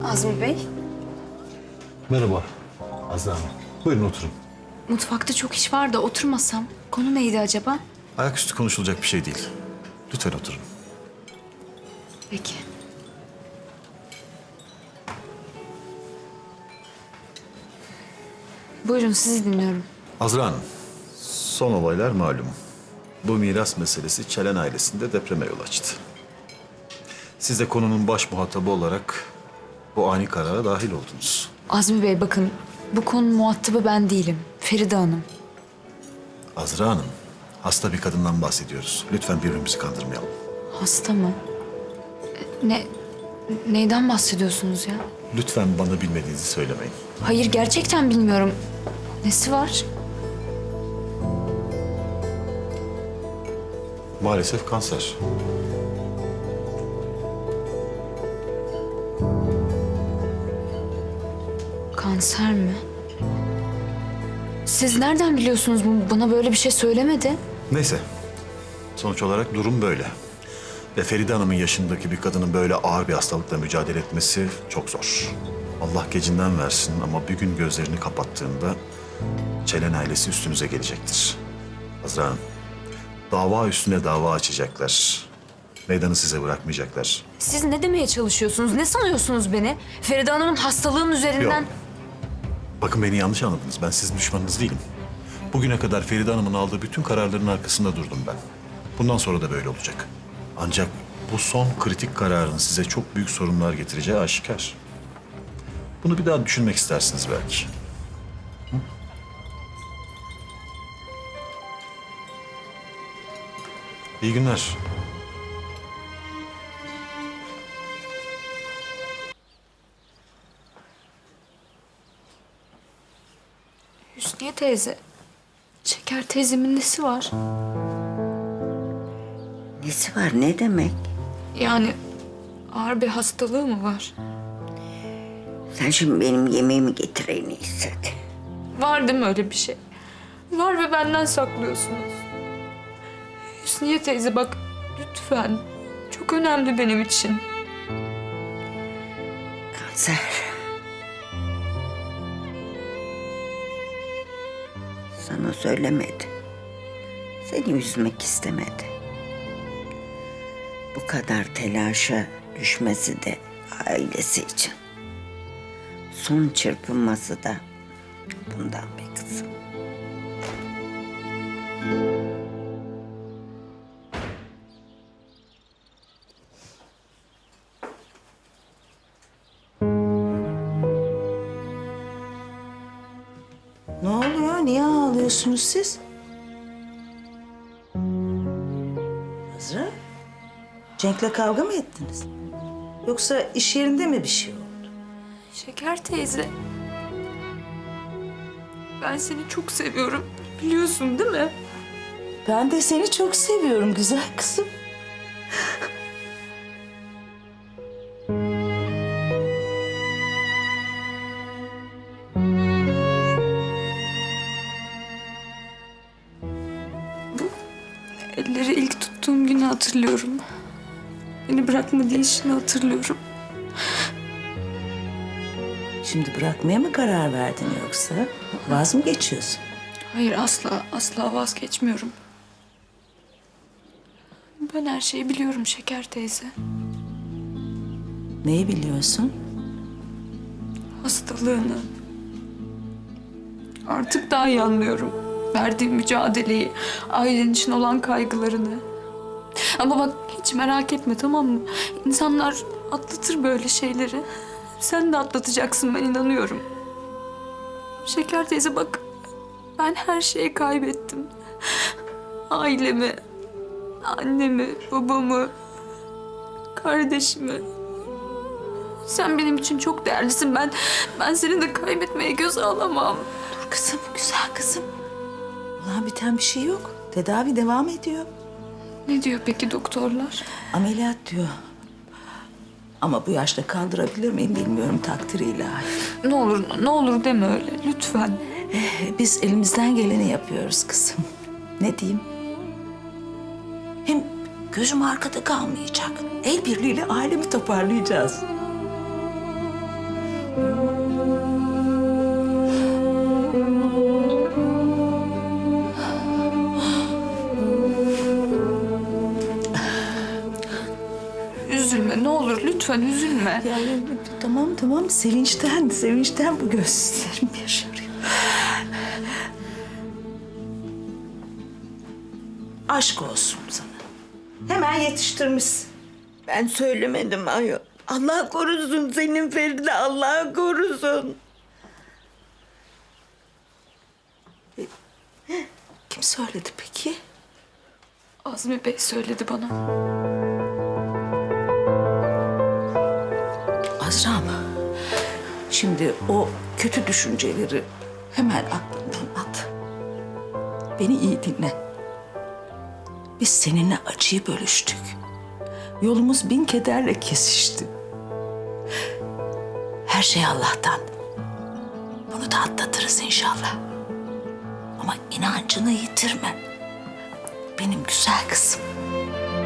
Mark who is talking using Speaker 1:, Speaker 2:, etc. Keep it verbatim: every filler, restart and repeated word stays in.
Speaker 1: Azmi Bey,
Speaker 2: Merhaba Azra Hanım. Buyurun oturun.
Speaker 1: mutfakta çok iş var da oturmasam. Konu neydi acaba?
Speaker 3: Ayaküstü konuşulacak bir şey değil. Lütfen oturun.
Speaker 1: Peki. Buyurun, sizi dinliyorum.
Speaker 3: Azra Hanım, son olaylar malum. Bu miras meselesi Çelen ailesinde depreme yol açtı. Siz de konunun baş muhatabı olarak bu ani karara dahil oldunuz.
Speaker 1: Azmi Bey bakın, bu konunun muhatabı ben değilim. Feride Hanım.
Speaker 3: Azra Hanım, hasta bir kadından bahsediyoruz. Lütfen birbirimizi kandırmayalım.
Speaker 1: Hasta mı? Ne, neyden bahsediyorsunuz ya?
Speaker 3: Lütfen bana bilmediğinizi söylemeyin.
Speaker 1: Hayır, gerçekten bilmiyorum. Nesi var?
Speaker 3: Maalesef kanser.
Speaker 1: Kanser mi? Siz nereden biliyorsunuz? Bu- Bana böyle bir şey söylemedi.
Speaker 3: Neyse, sonuç olarak durum böyle. Ve Feride Hanım'ın yaşındaki bir kadının böyle ağır bir hastalıkla mücadele etmesi çok zor. Allah gecinden versin ama bir gün gözlerini kapattığında Çelen ailesi üstünüze gelecektir. Azra Hanım, dava üstüne dava açacaklar. Meydanı size bırakmayacaklar.
Speaker 1: Siz ne demeye çalışıyorsunuz? Ne sanıyorsunuz beni? Feride Hanım'ın hastalığının üzerinden...
Speaker 3: Yok. Bakın beni yanlış anladınız. Ben sizin düşmanınız değilim. Bugüne kadar Feride Hanım'ın aldığı bütün kararların arkasında durdum ben. Bundan sonra da böyle olacak. Ancak bu son kritik kararın size çok büyük sorunlar getireceği aşikar. Bunu bir daha düşünmek istersiniz belki. Hı? İyi günler.
Speaker 1: Hüsniye teyze, Şeker teyzemin nesi var?
Speaker 4: Nesi var, ne demek?
Speaker 1: Yani ağır bir hastalığı mı var?
Speaker 4: Sen şimdi benim yemeğimi getir en iyisi hadi.
Speaker 1: Var değil mi öyle bir şey? Var ve benden saklıyorsunuz. Hüsniye teyze bak lütfen. Çok önemli benim için.
Speaker 4: Kanser. Sana söylemedi. Seni üzmek istemedi. Bu kadar telaşa düşmesi de ailesi için. Son çırpınması da bundan be kızım.
Speaker 5: Ne oluyor? Niye ağlıyorsunuz siz? Azra, Cenk'le kavga mı ettiniz? Yoksa iş yerinde mi bir şey oldu?
Speaker 1: Şeker teyze. Ben seni çok seviyorum. Biliyorsun değil mi?
Speaker 5: Ben de seni çok seviyorum güzel kızım.
Speaker 1: Elleri ilk tuttuğum günü hatırlıyorum. Beni bırakma deyişini hatırlıyorum.
Speaker 5: Şimdi bırakmaya mı karar verdin yoksa? Vaz mı geçiyorsun?
Speaker 1: Hayır asla, asla vazgeçmiyorum. Ben her şeyi biliyorum Şeker teyze.
Speaker 5: Neyi biliyorsun?
Speaker 1: Hastalığını. Artık daha iyi anlıyorum. Verdiğim mücadeleyi, ailen için olan kaygılarını. Ama bak hiç merak etme tamam mı? İnsanlar atlatır böyle şeyleri. Sen de atlatacaksın ben inanıyorum. Şeker teyze bak ben her şeyi kaybettim. Ailemi, annemi, babamı, kardeşimi. Sen benim için çok değerlisin. Ben ben seni de kaybetmeye göze alamam.
Speaker 5: Dur kızım, güzel kızım. Olan biten bir şey yok. Tedavi devam ediyor.
Speaker 1: Ne diyor peki doktorlar?
Speaker 5: Ameliyat diyor. Ama bu yaşta kaldırabilir miyim bilmiyorum, takdir ilahi.
Speaker 1: Ne olur ne olur deme öyle lütfen.
Speaker 5: Biz elimizden geleni yapıyoruz kızım. Ne diyeyim? Hem gözüm arkada kalmayacak. El birliğiyle ailemi toparlayacağız.
Speaker 1: lütfen üzülme.
Speaker 5: Ya, ya, tamam tamam sevinçten, sevinçten bu gözlerim yaşarıyor. Aşk olsun sana. Hemen yetiştirmişsin.
Speaker 4: Ben söylemedim ayol. Allah korusun senin Feride, Allah korusun.
Speaker 5: Kim söyledi peki?
Speaker 1: Azmi Bey söyledi bana.
Speaker 5: Azra'm, şimdi o kötü düşünceleri hemen aklından at. Beni iyi dinle. Biz seninle acıyı bölüştük. Yolumuz bin kederle kesişti. Her şey Allah'tan. Bunu da atlatırız inşallah. Ama inancını yitirme. Benim güzel kızım.